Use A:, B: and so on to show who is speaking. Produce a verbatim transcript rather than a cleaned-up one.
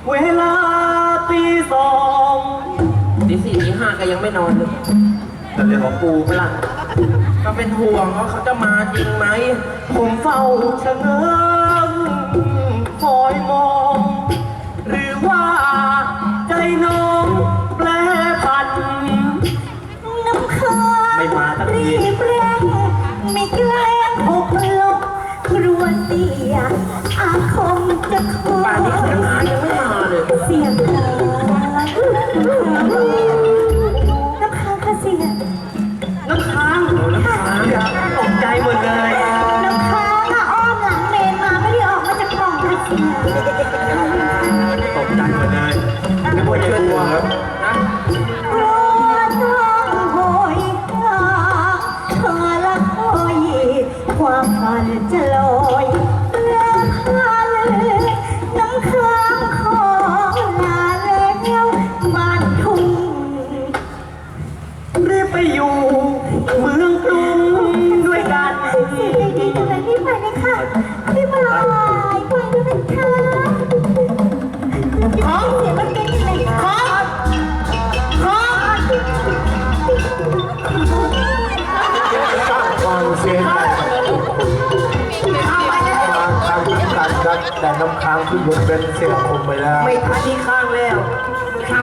A: เวลาตีสองตีสี่ตีห้าก็ยังไม่นอนเลยแต่เรื่องของปูเปล่าก็เป็นห่วงว่าเขาจะมาจริงไหมผมเฝ้าชะเง้อคอยมองหรือว่าใจน้องแปรผัน
B: น้ำค้าง
A: ไม่มาตั้งที
B: รีบเร่งไม่แกล้งหกลบกลัวเสียอาคมจะคอ
A: ป่านนี้เขายังยังไม่มาเลย
B: เสียงหาน้ำค้างค่ะเสีย
A: น้ำค้างน้ำค้างตกใจหมดเลย
B: น้ำค้างอะอ้อมหลังเมนมาไม่ได้ออกมาจากกล่องค่ะเสีย
A: ตกใจหมดเลยไม่ควรจะกลัวครับนะ
B: กลัวต้องโหยหาเธอละคอยความฝันจะลอยแล้วพันน้ำค้างขอลาแล้วบ้านทุ่ง
A: รีบไปอยู่เมืองกรุงด้วยกัน
B: เสียใจดีจังเลยพี่ไปเลยค่ะพี่มาลายไปด้วยนะคะของเสียมันเป็นยังไงของของ
C: สร้างความเสียใจทางทางการครับแต่น้ำค้างขึ้นบนเป็นเสียงคมไปแล้ว
A: ไม่ทันที่ข้างแล้ว